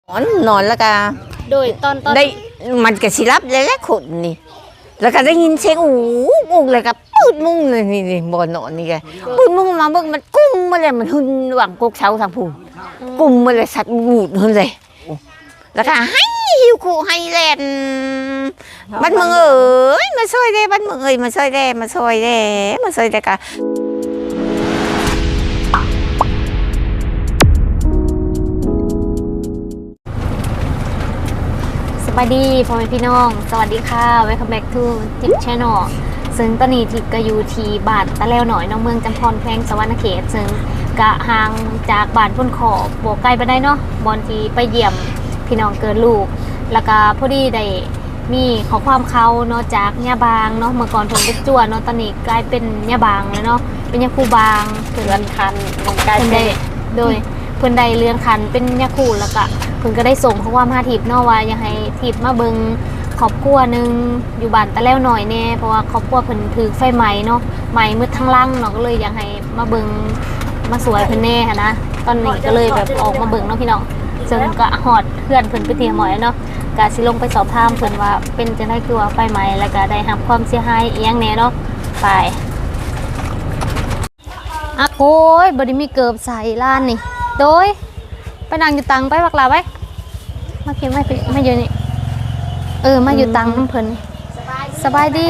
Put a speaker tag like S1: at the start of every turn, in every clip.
S1: นอนแล้วก็
S2: โดยตอน
S1: ได้มันก็สิรับแล้วขนนี่แล้วก็ได้ยินเสียงมุ้งเลยก็ปืดมุ้งเลยนี่บ่อนอนนี่แกปืดมุ้งมาเบิ่งมันกุ้มมาเลยมันหึนหวังกกเช้าทางผู้กุ้มมาเลยสัตว์บูดหึนเลยแล้วก็ให้หิวขู่ให้แล่นบ้านเมืองเอ้ยมาช่วยได้บ้านเมืองเอ้ยมาช่วยได้มาช่วยได้มาช่วยได้กะ
S2: สวัสดีพ่อแม่พี่น้องสวัสดีค่ะ Welcome back to Tip Channel ซึ่งตอนนี้ทิพก็อยู่ที่บ้านตะแล้วหน่อยน้องเมืองจำพรแพงสวรรณเขตซึ่งกะห่างจากบ้านพุ่นขอบบวกไกลไปได้เนาะบอลที่ไปเยี่ยมพี่น้องเกิดลูกแล้วก็พอดีได้มีขอความเขาเนาะจากย่าบางเนาะเมื่อก่อนผมเป็นจั่วเนาะตอนนี้กลายเป็นย่าบางแล้วเนาะเป็นย่าคูบางเพื่อนคันกลายเป็นได้โดยเพื่อนใดเรือนคันเป็นย่าคูแล้วก็เพิ่นก็ได้ส่งข้อความหาทิพย์เนาะว่าอยากให้ทิพย์มาเบิ่งครอบครัวนึงอยู่บ้านตะแล้วหน่อยแน่เพราะว่าครอบครัวเพิ่นถือไฟไหม้เนาะไหม้มืดทั้งลังเนาะก็เลยอยากให้มาเบิ่งมาสวยเพิ่นแน่ค่ะนะตอนนี้ก็เลยแบบออกมาเบิ่งเนาะพี่น้องซึ่งก็ฮอดเพื่อนเพิ่นไปเตรียมหมอยเนาะก็สิลงไปสอบถามเพิ่นว่าเป็นจังได๋คือว่าไฟไหม้แล้วก็ได้รับความเสียหายอีหยังแน่เนาะไปอะโอ้ยบ่ได้มีเกิบใส่ร้านนี่โดยไปนั่งอยู่ตังไปบักลาไปมาเก็บไม่อยู่นี่มาอยู่ตังน้ำเพิ่นสบายดี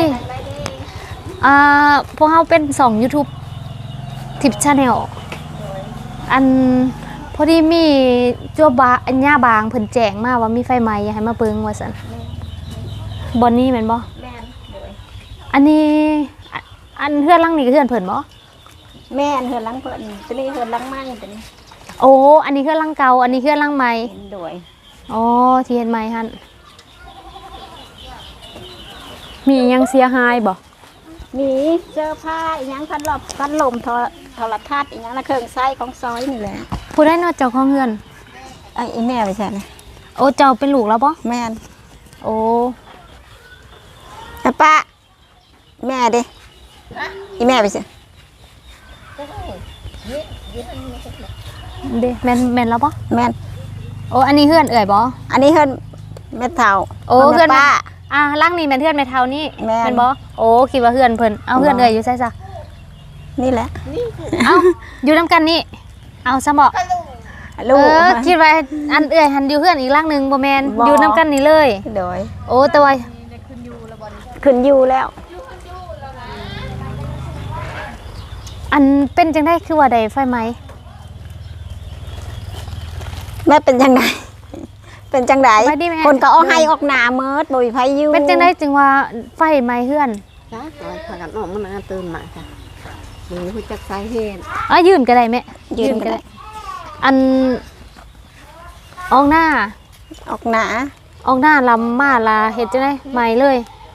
S2: พวกเราเป็น2 YouTube ทิป Channel อันพอดีมีจั่วบาอันย่าบางเพิ่นแจ้งมาว่ามีไฟไหม้อยากให้มาเบิ่งว่าซั่นบ่นี้แม่นบ่แม่นอันนี้อันเฮือนหลังนี้ก็เฮือนเพิ่นบ่
S3: แม่เฮือนหลังเพิ่นตัวนี้เฮือนหลังใหม่ตัวนี้
S2: โอ้อันนี้เฮือนหลังเก่าอันนี้เฮือนหลังใหม่
S3: ด้วย
S2: อ๋อที่เห็นใหม่หั่นมียังเสียหายบ่
S3: มีเสื้อผ้าอีหยังพันลมโทรทัศน์อีหยังละเครื่องใช้ของซอยนี่แหละ
S2: ผู้ได้เนาะเจ้าของเฮือน
S3: ไอ้แม่ไปใช่ไหม
S2: โอ้เจ้าเป็นลูกแล้วบ่
S3: แม่น
S2: โอ้
S3: ป้าแม่เด้อีแม่ไปใช่
S2: เด้แม่นแล้วบ่
S3: แม่น
S2: โอ้อันนี้เฮือนเอ่ยบ่
S3: อันนี้เฮือนแม่เฒ่า
S2: โอ้เฮือนป้าหลังนี้แม่นเฮือนแม่เฒ่านี่แม่นบ่โอ้คิดว่าเฮือนเพิ่นเอาเฮือนเอ่ยอยู่ไสซะ
S3: นี่แหละ
S2: เอาอยู่นำกันนี่เอาซะบ่
S3: ลูก
S2: คิดว่าอันเอ่ยหันอยู่เฮือนอีกหลังนึงบ่แม่นอยู่นำกันนี่เลย
S3: โดย
S2: โอ้แต่ว่า
S3: ขึ้นอยู่แล้ว
S2: อันเป็นจังได๋คือว่าได้ไฟไหม้
S3: แม่เป็นจังได๋เป็นจังได๋คนก็เอาให้ออกหน้าเมิดบ่มีไผอยู่
S2: เป็นจังได๋จึงว่าไฟไหม้เฮือน
S3: จ้ะพากันออกมาตื่นมาค่ะบ่รู้จักสาเหตุ
S2: ยืนก็ได้แม่ยืนก็ได้อันออกหน้าลำมาลาเฮ็ดจังได๋ไหม้เลย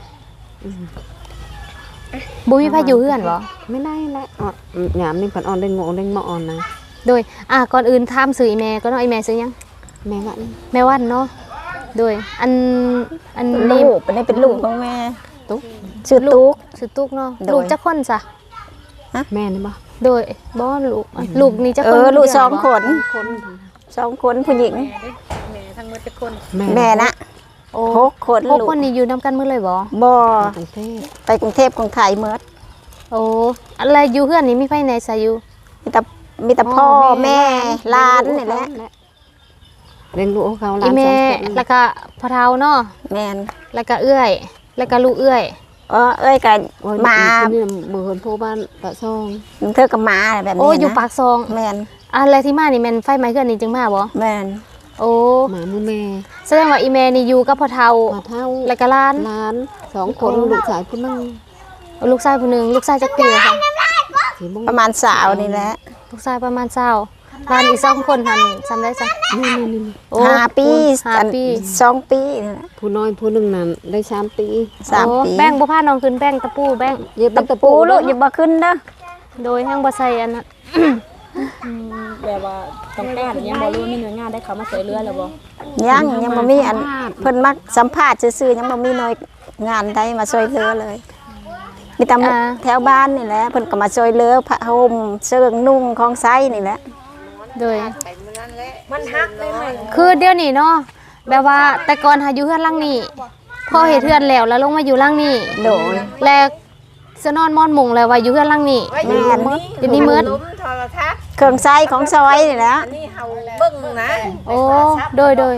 S2: บ่มีไผอยู่เฮือนบ่
S3: ไม่ได้แหละยามนี่เพิ่นออนได้งงได้หมอออนนะ
S2: โดยก่อนอื่นถามชื่ออีแม่ก็เนาะอีแม่ชื่อหยัง
S3: แม่วัน
S2: เนาะโดยอัน
S3: ลูกเป็นลูกของแม่ตุ๊กชื่อ
S2: ตุ๊กเนาะลูกจักคนซะ
S3: ฮะแม่นี่บ่
S2: โดยบ่ลูกนี่จักคน
S3: ลูก2 คนผู้หญิง
S2: แม่ทั้งหมดจักคน
S3: แม่นะ6 คน
S2: ลูก6 คนนี่อยู่นำกันหมดเลย
S3: บ่ไปกรุงเทพของไทยหมด
S2: โอ้อะไรอยู่เฮือนนี่มีไผไหนซะอยู่
S3: มีแต่พ่อแม่หลานนี่แหละเลี้ยงลูกเขาหลาน
S2: 2 คนแล้วก็พ่อเฒ่าเนาะ
S3: แม่น
S2: แล้วก็เอื้อยแล้วก็ลูกเอื้อย
S3: เอ้ยก็มา
S1: เบิ่นผู้บ้านปากซอง
S3: เธอก็มาแบบนี้นะ
S2: โอ้อยู่ปากซอง
S3: แม่น
S2: อะไรที่มานี่แม่นไฟไหม้เฮือนนี่จึงมาบ่
S3: แม่น
S2: โอ้
S1: หมามื้อแม่
S2: แสดงว่าอีแม่นี่อยู่กับพ่อเฒ่าแล้วก็หลาน
S1: 2 คนลูกชายผู้นึง
S2: ลูกชายผู้นึงลูกชายจักปีค่ะ
S3: ประมาณ20นี่แหละ
S2: ลูกชายประมาณ20หลานอีก2 คนหั่นจำได้ซะ
S1: นี่
S3: โอ้5 ปี2 ปี
S1: ผู้น้อยผู้นึงนั่นได้3 ปี
S2: แป้งบ่พาน้องขึ้นแป้งตะปูแป้ง
S3: อย่าตะปูลูกอย่าบ่ขึ้นเด้อ
S2: โดยแห้งบ่ใส่อันนั้น
S4: แบบว่าต้องการยังบ่รู้มีหน่วยงานได้เขามาช่วยเหลือแล้วบ่
S3: ยังบ่มีอันเพิ่นมักสัมภาษณ์ซื่อๆยังบ่มีหน่วยงานใดมาช่วยเหลือเลยมีแต่แถวบ้านนี่แหละเพิ่นก็มาช่วยเหลือผ้าห่มเสื้อนุ่งของไซนี่แหละ
S2: โดย
S4: มันฮักได้ไหม
S2: คือเดี๋ยวนี้เนาะแบบว่าแต่ก่อนหาอยู่เฮือนหลังนี้พอเฮ็ดเฮือนแล้วลงมาอยู่หลังนี้
S3: โดย
S2: แล้วสนอนมอนมุงแล้วว่าอยู่เฮือนหลังนี้
S3: แม่น
S2: เดี๋ยวนี้มืด
S3: เครื่องใช้ของซอยนี่แหละ
S2: โอ้โดย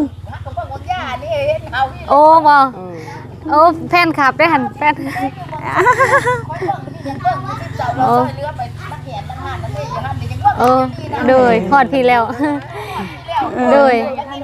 S2: โอ้บ่โอ้แฟนคลับได้หันแฟนโอ้โอ้โดยฮอดพี่แล้วโดย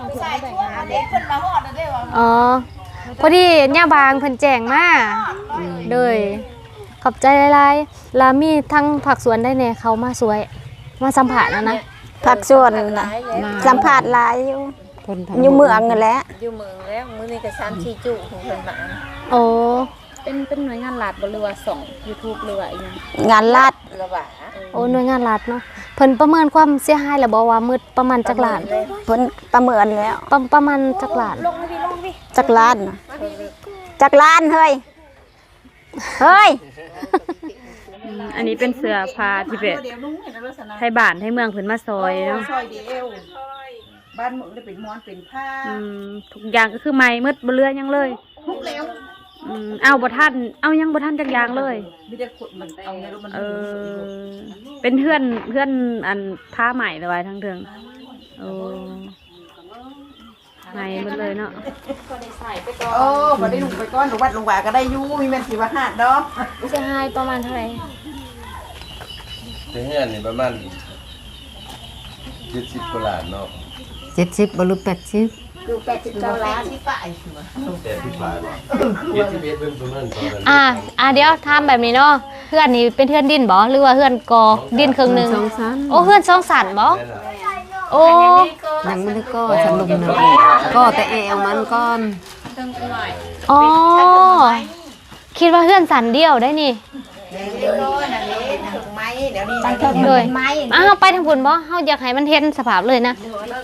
S2: อ๋อพอดีย่าบางเพิ่นแจ้งมาโดยขอบใจหลายๆแล้วมีทั้งผักสวนได้แน่เขามาสวยมาสัมผัสนะ
S3: ผักส่วนน่ะสัมภาษณ์หลายอยู่อยู่เมืองนั่นแหละ
S1: อยู่เมืองแล้วมื้อนี้ก็3-4จุของเพิ่นมา
S2: โอ้
S4: เป็นหน่วยงานรัฐบ่หรือว่าส่อง YouTube หรือว่าอีหยัง
S3: งานลาด
S1: ละว่า
S2: โอ้หน่วยงานรัฐเนาะเพิ่นประเมินความเสียหายแล้วบอกว่ามืดประมาณจักล้าน
S3: เพิ่นประเมินแล้ว
S2: ประมาณจักล้าน
S3: จักรล้านน่ะจักรล้านเฮ้ยเฮ้ย
S4: อันนี้เป็นเสื้อผ้าที่เป็นไทยบ้านไทยเมืองเพิ่นมาซอยเนาะ
S5: ซอยเดียวบ้านเมืองได้เป็นม้อนเป็นผ้า
S4: ทุกอย่างก็คือใหม่มืดบ่เหลือหยังเลย
S5: ทุกแล้ว
S4: เอาบ่ทันเอายังบ่ทันจักอย่างเลย
S5: มีแต่คนมันเอาในรถมัน
S4: เป็นเพื่อนอันผ้าใหม่เลยทั้งเทิงโอ้ใหม่หมดเลยเนาะ
S5: โอ้บ่ได้ลงไปก้อนหรือวัดลงว่าก็ได้อยู่มีแม่นสิว่าหาดดอก
S2: เสียหายประมาณเท่าไหร่
S6: เฮือนนี่ประมาณ70กว่าล้านเนาะ
S1: 70บ่รู้80
S3: 89ล้าน
S6: แต่ที่ผ่าน71เบิ่งตรงนั้นตอนนั้น
S2: เดี๋ยวถามแบบนี้เนาะเพื่อนนี่เป็นเพื่อนดินบ่หรือว่าเพื่อนกอดินครึ่งหนึงโอ้เพื่อน2สันบ่โอ้
S1: ยังไม่ได้ก็สรุปนะก็แต่แอวมันก่อน
S2: อ๋อคิดว่าเพื่อนสันเดียวได้นี่
S3: ตั้งเทิง
S2: เลย
S3: เป็นไม้
S2: ไปทางพุ่นบ่เฮาอยากให้มันเห็นสภาพเลยนะ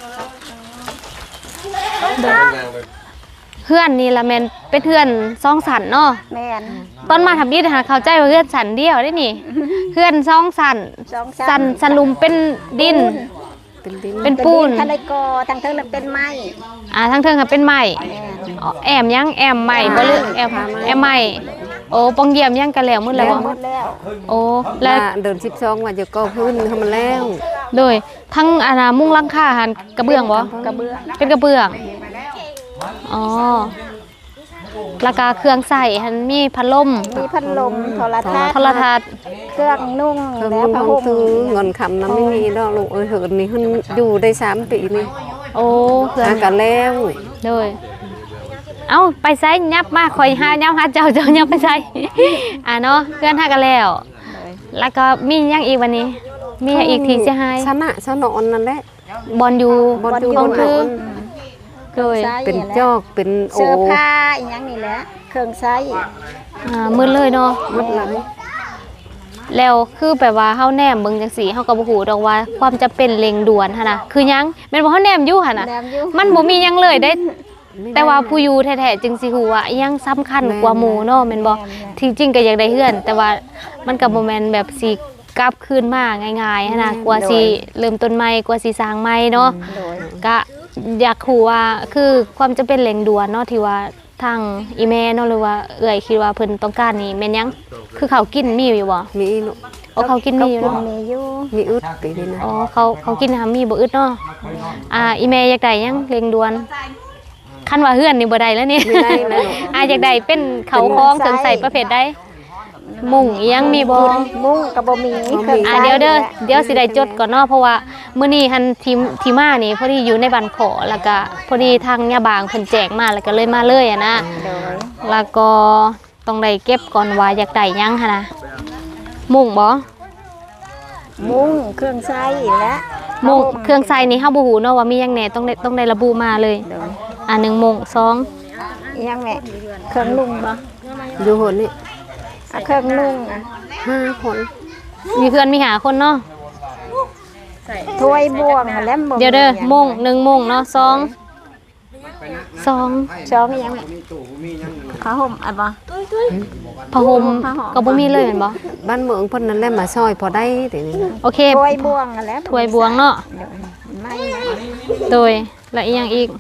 S2: เพื่อนนี่ละแม่นเป็นเพื่อน2สันเนาะ
S3: แม่น
S2: ตอนมาทำบิดหาเข้าใจว่าเพื่อนสันเดียวได้นี่ เพื่อน2สัน
S3: สอง
S2: สันลุมเป็นดิน เป็นปูน
S3: ทะเลกอตั้งเทิงนั้นเป็นไม้
S2: ทั้งเทิงค่ะเป็นไม้อ๋อแอมยังแอมใหม่บ่หรือแอมใหม่โอ้ปองเยี่ยมยังกันแล้วมื้อแล้วบ่
S3: หมดแล้ว
S2: โอ้แล้ว
S1: เดิน12ว่าจะก็พื้นให้มันแล้ว
S2: โดยทั้งมุ้งหลังคาหันกระเบื้องบ่
S3: กระเบื้อง
S2: เป็นกระเบื้องอ๋อแล้วก็เครื่องใส่หันมีพัดลม
S3: มีพัดลมโทรทัศน์
S2: โทรทัศน์
S3: เครื่องนุ่ง
S1: เพิ่ม
S3: แล้วผ้าห่ม
S1: ซื้อเงินคำนั้นไม่มีดอกลูกเอ้ยเหินนี่เพิ่นอยู่ได้3ปีนี่
S2: โอ้เครื่อง
S1: หากันแล้ว
S2: โดยเอาไปใส่ยับมาคอยหายับหาเจ้ายับไปใส่ เนาะเพื่อนหากันแล้ว แล้วก็มีหยังอีกวันนี้ มีหยังอีกที่เสียหาย
S1: ชนะชนอนนั่นแหละ
S2: บอลอยู่
S1: บอลอยู่
S2: ของคือ
S1: บน
S2: โดย
S1: เป็นจอกเป็นโอ
S3: เสื้อผ้าอีหยังนี่แหละเครื่องใช้
S2: มืดเลยเนาะ
S1: มัดหลาย
S2: แล้วคือแบบว่าเฮาแนมเบิ่งจังซี่เฮาก็บ่ฮู้ดอกว่าความจำเป็นเร่งด่วนหั่นน่ะคือหยังแม่นบ่เฮาแนมอยู่หั่นน่ะ
S3: แนมอยู่
S2: มันบ่มีหยังเลยได้ แต่ว่าผู้อยู่แท้ๆจึงสิฮู้ว่าอิหยังสำคัญกว่าหมู่เนาะแม่นบ่ที่จริงก็อยากได้เฮือน แต่ว่ามันก็บ่แม่นแบบสิกลับคืนมาง่ายๆหั่นน่ะกว่าสิเริ่มต้นใหม่กว่าสิสร้างใหม่เนาะ
S3: โดย
S2: ก็อยากรู้ว่าคือความจำเป็นเร่งด่วนเนาะที่ว่าทางอีแม่เนาะหรือว่าเอื้อยคิดว่าเพิ่นต้องการนี่แม่นหยังคือเขาวกินมีอยู่บ่
S1: มีลูก
S2: โอ้เขากินมีอยู่เนาะ
S3: มีอยู่
S1: มีอึดปีนี้นะ
S2: อ๋อเขากินนะคะมีบ่อึดเนาะอีแม่อยากได้หยังเร่งด่วนคันว่าเฮือนนี่บ่ได้แล้วนี่
S1: ไม่ได้เลยลูก
S2: อยากได้เป็นเขาคล้องเครื่องใส่ประเภทใดมุ้งอีหยังมีบ่
S3: มุ้งก็บ่มีเครื่องใช้
S2: เดี๋ยวสิได้จดก่อนเนาะเพราะว่ามื้อนี้หันทีมานี่พอดีอยู่ในบ้านขอแล้วก็พอดีทางย่าบางเพิ่นแจกมาแล้วก็เลยมาเลยอะนะ
S3: โดย
S2: แล้วก็ต้องได้เก็บก่อนว่าอยากได้หยังหั่นนะมุ้งบ่
S3: มุ้งเครื่องใช้และ
S2: มุ้งเครื่องใส่นี่เฮาบ่ฮู้เนาะว่ามีหยังแหน่ต้องได้ระบุมาเลย
S3: โดย
S2: 1มุ้ง2
S3: อีหยังแม่เครื่องนุ่งบ่
S1: อยู่หนนี่
S3: เครื่องนุ่ง
S1: 5 คน
S2: มีเพื่อนมีหาคนเนาะ
S3: ถ้วยบ่วงและบ่
S2: เดี๋ยวเด้อมุ้ง1มุ้งเนาะ2
S3: ช้องอีหยังแม่ผ้าห่มอันบ่
S2: ผ้าห่มก็บ่มีเลยแม่นบ่
S1: บ้านเมืองเพิ่นนั่นแหละมาซอยพอได้แต่นี่นะ
S2: โอเค
S3: ถ้วยบ่วงและ
S2: ถ้วยบวงเนาะ
S3: ไม้นะ
S2: โดยและอีกอย่างอีก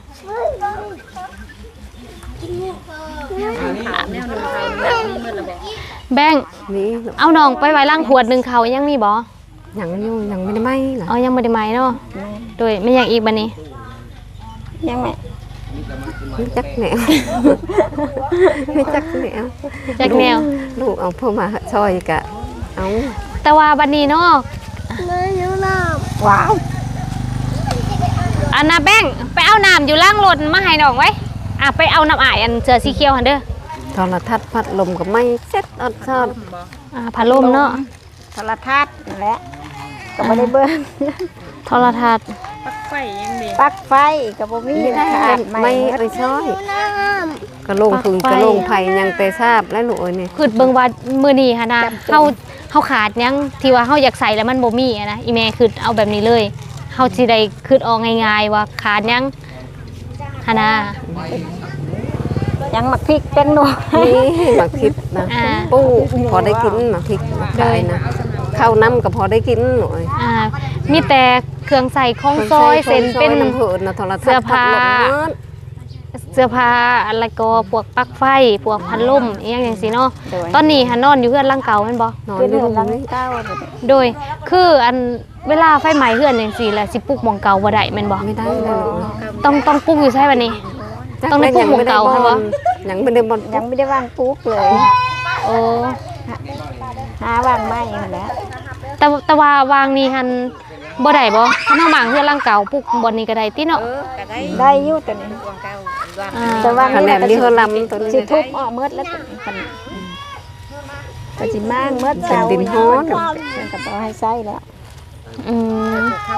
S2: แบงค์
S7: นี่
S2: เอาน้องไปไว้ล่างขวดหนึ่งเขายังมีบ่
S7: ยังอยู่ยังไม่ได้ไหมเหรอ
S2: เอายังไม่ได้ไหมเนาะโดยไม่อย่างอีกบันนี้
S3: ยังไง
S7: ไม่จักแนว ไม่จักแนว
S2: แจ็คแนว
S7: ลูกเอาพ่อมาซอยกะเอา
S2: แต่ว่าบันนี้เนาะ
S3: ว้าว
S2: อันน่ะแบงค์ไปเอาน้ำอยู่ล่างรถมาให้น้องไว้ไปเอาน้ำอายอันเสือสีเขียวหันเด้อ
S7: โทรทัศน์พัดลมก็ไม่เซ็ตอดซอด
S2: พัดลมเนาะ
S3: โทรทัศน์นั่นแหละก็บ่ได้เบิ่ง
S2: โทรทัศน์
S4: ไฟยังดี
S3: ปลั๊กไฟก็บ่มี
S7: ไม่ได้
S3: ขาด
S7: ไม่ไปซอยกระโลงพึงกระโลงไผ่ยังแต่ทราบแล้วหนูนี่
S2: คือเบิ่งว่ามื้อนี้หั่นนะเฮาขาดหยังที่ว่าเฮาอยากใส่แล้วมันบ่มีอะนะอีแม่คือเอาแบบนี้เลยเฮาสิได้คือออกง่ายๆว่าขาดหยังหั่นนะ
S3: ยังหมักพริกแป้งนัว
S7: นี่หมักพริกนะปูพอได้กินหมักพริกได้นะข้าวน้ำก็พอได้กินหน่อย
S2: มีแต่เครื่องใส่ของซอยเส้นเป็น
S7: น้ำเผือนะโทรทัศน์
S2: เสื้อผ้า
S7: พัดลมเนอะ
S2: เสื้อผ้าอะไรก็พวกปลั๊กไฟพวกพัดลมอีหยังจังซี่เนาะ
S3: โดย
S2: ตอนนี้หันนอนอยู่เฮือนหลังเก่าแม่นบ่
S7: นอน
S3: คือ
S7: อยู่
S3: เดือน
S7: ตร
S3: ละ
S7: งนี้
S3: 9
S2: โดยคืออันเวลาไฟไหม้เฮือนจังซี่แหละสิปลุกหม่องเก่าบ่ได้แม่นบ่
S7: ไม่ได้เลย
S2: ต้องปลุกอยู่ใช่บัดนี้ ต้องได้ปลูกหมู่เก่าใช่ปะ
S7: ยังไม่ได้บอล
S3: ยังไม่ได้วางปลูกเลย
S2: โอ้
S3: หาวางไม้นั่นแหละ
S2: แต่ว่าวางนี่หันบ่ได้บ่คันเฮาหมางเฮือนหลังเก่าปลุกบ่นี่ก็ได้ติเนาะ
S3: ได้อยู่ตัวนี้
S2: อ่า
S3: แต่ว่า
S7: คะแนนที่เขาลำตัวนี้
S3: สิทุบออกเมดแล้วตัวนี้กันก็สิมางเมด
S7: เป็นดินฮ้อน
S3: มันก็บ่ให้ใส่แล้ว
S2: อืม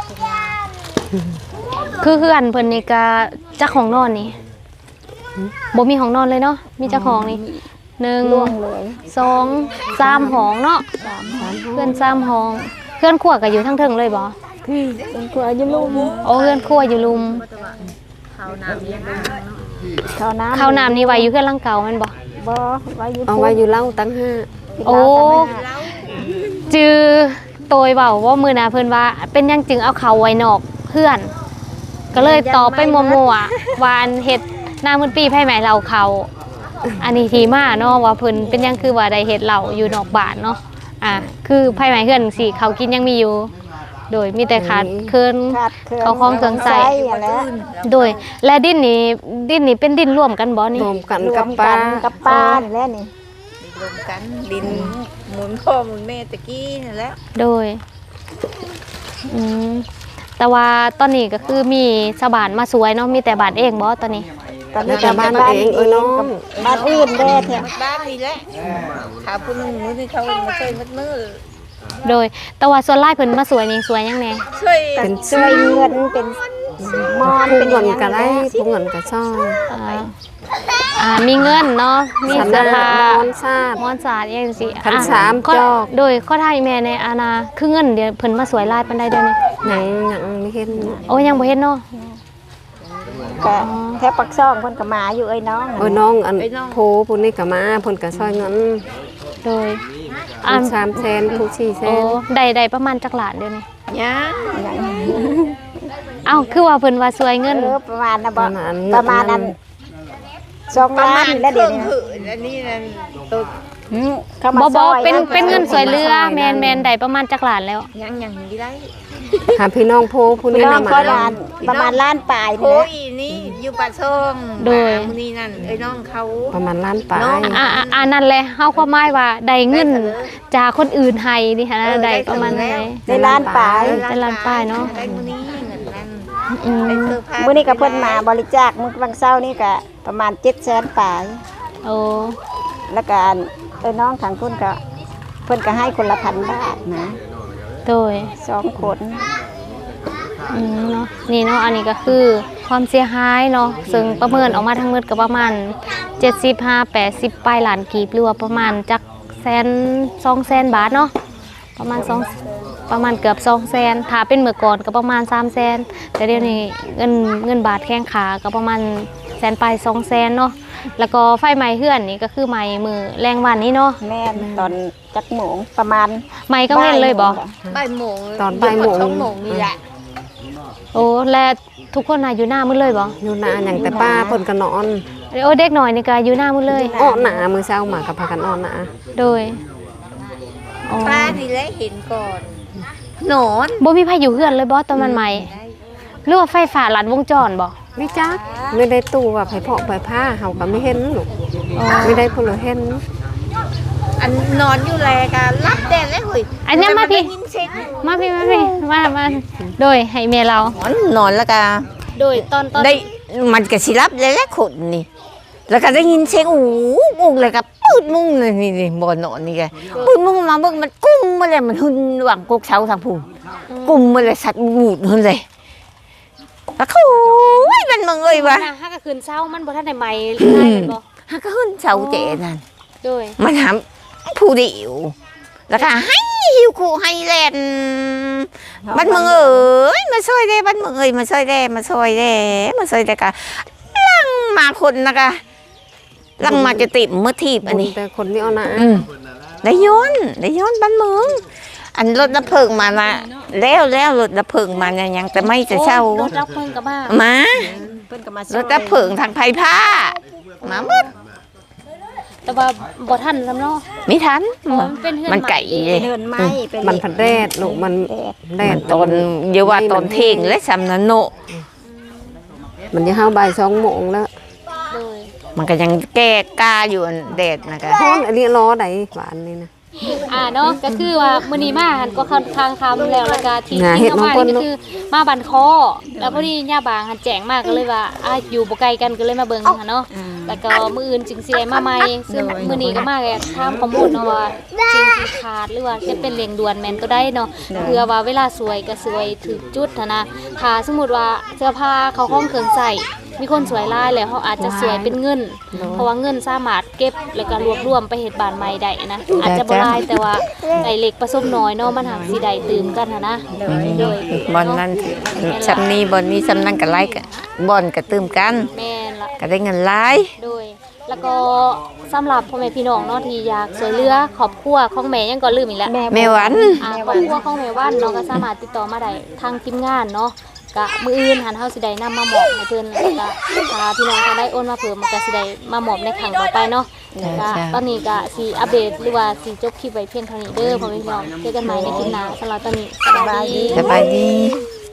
S2: คือเฮือนเพิ่นนี่ก็จักห้องนอนนี่บ่มีห้องนอนเลยเนาะมีจักห้องนี่1
S3: ล่วงเลย
S2: 2 3ห้องเนาะเพื่อน3ห้องเพื่อนครัวก็อยู่ทั้งเทิงเลยบ่
S3: เป็นครัวอยู่ลุ่ม
S2: โอ้เพื่อนครัวอยู่ลุม
S3: ข้าวน้ำ
S2: ข้าวน้ำนี่ไว้อยู่เพื่อนหลังเก่าแม่นบ่
S3: บ่ไว้อยู่
S7: เอาไว้อยู่เล่าตั้งห้า
S2: โอ้จือโตยเบาว่ามือนาเพิ่นว่าเป็นหยังจึงเอาเขาไว้นอกเพื่อน ก็เลยตอบไปมัวๆวาอันเฮ็ดหน้ามื้อปีไผไหมเราเขาอันนี้ทีมาเนาะว่าเพิ่นเป็นหยังคือว่าได้เฮ็ดเหล้าอยู่นอกบ้านเนาะคือไผไหมเพื่อนสิเขากินยังมีอยู่ โดยมีแต่ขาดเคิน
S3: ขาดเครื่อง
S2: เขาของเครื่องใส่
S3: นั่นแหละ
S2: โดยและดินนี่เป็นดินร่วมกันบ่นี่
S7: รวมกัน
S3: รว
S7: กับ
S3: ม
S7: ปลา
S3: กันกับปลานี่แหละนี่
S5: รวมกันดินหมุนพ่อหมุนแม่ตะกี้นั่นแหละ
S2: โดยอืมแต่ว่าตอนนี้ก็คือมีชาวบ้านมาสวยเนาะมีแต่บ้านเองบ่ตอนนี้
S3: ตอน
S7: แล้
S3: นี้
S7: วแต่บ้านเองน้อง
S3: บ้านอื่นแด้แท้
S5: บ้านนี่แหละขาผู้หนึงมือนี่เขามาช่วยมัดมือ
S2: โดยแต่ว่าส่วนหลายเพิ่นมาสวยนี่สวยยังแน่
S5: ช่วย
S7: เป็น
S3: ช่วยเงินเป็นมอน
S7: ผู้
S3: เป็น
S7: เงิน
S3: หยัง
S7: ก็ได้
S3: แหละ
S7: ผู้เงินก็ซ่อย
S2: มีเงินเนาะมี
S7: สัน
S2: เสื้อ
S7: นา
S2: ผ้าน
S7: อนซาด
S2: มอนสาดจังซี่
S7: ขันสาม
S2: ข้
S7: จอก
S2: โดยข้อทายแม่ในอาณาคือเงินเดี๋ยวเพิ่นมาสวยหลายปานใดเดี๋ยวนี้
S7: ยังไม่เห็น
S2: โอ้ยังบ่เห็นเนาะ
S3: ก็แค่ปักซ่องเพิ่นก็มาอยู่เอ้ยน้อง
S7: น้องอันโพผู้นี้ก็มาเพิ่นก็ซอยเงิน
S2: โดย
S7: ผู้3 แสนผู้4 แส
S2: โอ้
S7: น
S2: ได้ประมาณจักหลานเดี๋ยวนี้
S5: ย่า
S2: เอ้าคือว่าเพิ่นว่าสวยเงิน
S3: ประมาณนะบ่
S7: ประมาณ
S3: นั้น2 ล้านนี่แหละเดี๋ยวนี้
S5: คืออันนี้นั่นตัว
S3: เข้ามา
S2: บ่
S3: ซอย
S2: เป็นเงินสวยเรือแมนได้ประมาณจักหลานแล้ว
S5: ยังนี่ได้
S7: หาพี่น้องโพผู้
S3: พี่
S7: นี้
S3: น้อง
S7: นำ
S3: ก็
S7: มา
S3: ล้านประมาณล้านปลาย
S5: โอ้
S3: นี่
S5: ยนี่อยู่ปากช่องนี่นั่นไอ้น้องเขา
S7: ประมาณล้านปลาย
S2: นั่นแหละเฮาความหมายว่าได้เงินจากคนอื่นให้นี่ค่ะนะได้ประมาณไหน
S3: ในล้านปลาย
S2: เป็นล้านป้ายเนาะ
S5: ได้มื้อนี้เงินนั่น
S2: อืม
S5: ได้เสื้อผ้า
S3: มื้อนี้ก็เพิ่นมาบริจาคมื้อวันเช้านี่ก็ประมาณ700,000ปลาย
S2: โอ้
S3: แล้วก็น้องทางคุณก็เพิ่นก็ให้คนละ1,000 บาทนะ
S2: โดย
S3: 2 คน
S2: เนาะนี่เนาะอันนี้ก็คือความเสียหายเนาะซึ่งประเมินออกมาทั้งหมดก็ประมาณ75-80ปลายล้านกีบหรือว่าประมาณจัก200,000 บาทเนาะประมาณเกือบ200,000ถ้าเป็นเมื่อก่อนก็ประมาณ300,000แต่เดี๋ยวนี้เงินบาทแข้งขาก็ประมาณ100,000ปลาย200,000เนาะแล้วก็ไฟไหม้เฮือนนี่ก็คือไหม้มือแรงวันนี้เนาะ
S3: แม่นตอนจักโมงประมาณ
S2: ไหม้ก็เว้นเลยบ่
S5: บ่ายโมง
S7: ตอนบ่ายโมง
S5: 2 โมงนี่แหละ
S2: โโอ้และทุกคนน่ะอยู่หน้ามืดเลยบ่
S7: อยู่นาอย่างแต่ป้าเพิ่นก็นอน
S2: โอ้เด็กหน่อยนี่ก็อยู่หน้ามืดเลย
S7: อ้อหนามื้อเช้ามาก็พากันอ้อหนา
S2: โดยอ๋อ
S1: ป้านี่แหละเห็นก่อนนอน
S2: บ่มีไผอยู่เฮือนเลยบ่ตอนมันใหม่หรือว่าไฟฟ้าลัดวงจรบ่
S7: ไม่จักไม่ได้ตู้ว่าไผเพาะไผผ้าเฮาก็ไม่เห็นลูกไม่ได้ผู้เห็น
S1: อันนอนอยู่แลกันรับแดดเลยเฮ้ย
S2: อันนี้มาพี่
S1: ได้ยินเสียง
S2: มาพี่มาโดยให้แม่เรา
S1: นอนแล้วก็
S2: โดยตอน
S1: ได้มันก็สิรับเลยแหละคนนี่ แล้วก็ได้ยินเสียงอู้เลยก็ปืดมุ้งเลยนี่บ่นอนนี่แกปืดมุ้งมาเบิ่งมันกุ้มมาเลยมันหึนหวังกกเช้าทางผู้กุ้มมาเลยสัตว์บูดหึนเลยแล้วเขาโอ้ยมันมึงเอ้ยว่ะ
S2: ฮักก็คืนเช้ามันบ่ทันได้ใหม่ได้แม่นบ่
S1: ฮักก็หึนเช้าเจนั่น
S2: โดย
S1: มันทำผู้เดียวแล้วก็ให้หิวคู่ให้แลนบ้านเมืองเอ้ยมาช่วยได้บ้านเมืองเอ้ยมาช่วยได้มาช่วยได้มาช่วยได้กะลังมาคนนะคะลังมาจะติ่มเมื่อทีบอันนี้
S7: แต่คนไม่เอาหนา
S1: ได้ย้อนบ้านเมืองอันรถดับเพลิงมาละแล้วรถดับเพลิงมาเนี่ยยังแต่ไม่จะเช่า
S2: โอ้รถรับเพิ่นก็มา
S1: มา
S3: เพิ่นก็มาร
S1: ถดับเพลิงทางไผ่ผ้ามาหมด
S2: แต่ว่าบ่ทันซำเนาะ
S1: ไม่ทัน
S2: มันเป็นเฮือน
S1: มันไก่เลย
S3: เดินไม้ไป
S7: มันพันแรดลูกมันแร
S1: มั
S7: ด
S1: นตอนเดี๋ยวว่าตอนเที่ยงและสำนันโน
S7: มันจะเข้าบ่าย2 โมงแล้ว
S2: โดย
S1: มันก็ยังแก้กาอยู่อันแดดนะคะ
S7: ฮ้อนอันนี้ล้อใดหวานนี่นะ
S2: เนาะก็คือว่ามื้อนี้มาหันก็ทางคำแล้วแล้วก็ที่
S7: น่า
S2: ที่
S7: เฮ็ด
S2: เข้ามา
S7: น้องเพิ่น
S2: นี่ก็คือมาบันคอแล้วพอดีย่าบางหันแจ้งมากก็เลยว่าอยู่บ่ไกลกันก็เลยมาเบิ่งหั่นเนาะแล้วก็มื้ออื่นจึงสิได้มาใหม่ซึ่งมื้อนี้ก็มาแค่ถามข้อมูลเนาะว่าจริงที่ขาดหรือว่าจะเป็นเร่งด่วนแม่นก็ได้เนาะเพื่อว่าเวลาสวยก็สวยถึงจุดหั้นนะถ้าสมมุติว่าเสื้อผ้าเขาห้องเครื่องใส่มีคนสวยหลายแล้วเขาอาจจะสวยเป็นเงิน เพราะว่าเงินสามารถเก็บแล้วก็รวบรวมไปเฮ็ดบ้านใหม่ได้นะอาจจะบ่หลายแต่ว่าไอ้เล็กผสมน้อยเนาะมันหักสิได้ตื่มกันนะโดย
S1: บอลนั้นซำนี้บอลนี้ซำนั้นก็ไล่กันบอลก็ตื่มกัน
S2: แม่นละ
S1: ก็ได้เงินหลาย
S2: โดยแล้วก็สำหรับพ่อแม่พี่น้องเนาะที่อยากช่วยเหลือครอบครัวของแม่ยังก็ลืมอีกแล้ว
S1: แม่หวัน
S2: ครอบครัวของแม่ว่านเนาะก็สามารถติดต่อมาได้ทางทีมงานเนาะก็มื้ออื่นหันเฮาสิได้นำมามอบให้เพิ่นแล้วก็ถ้าพี่น้องเขาได้โอนมาเพิ่มมันก็สิได้มามอบในครั้งต่อไปเนาะก็ตอนนี้ก็สิอัปเดตหรือว่าสิจบคลิปไว้เพียงเท่านี้เด้อพ่อแม่พี่น้องเจอกันใหม่ในคลิปหน้าสำหรับตอนนี้สบายดี
S1: สบายดี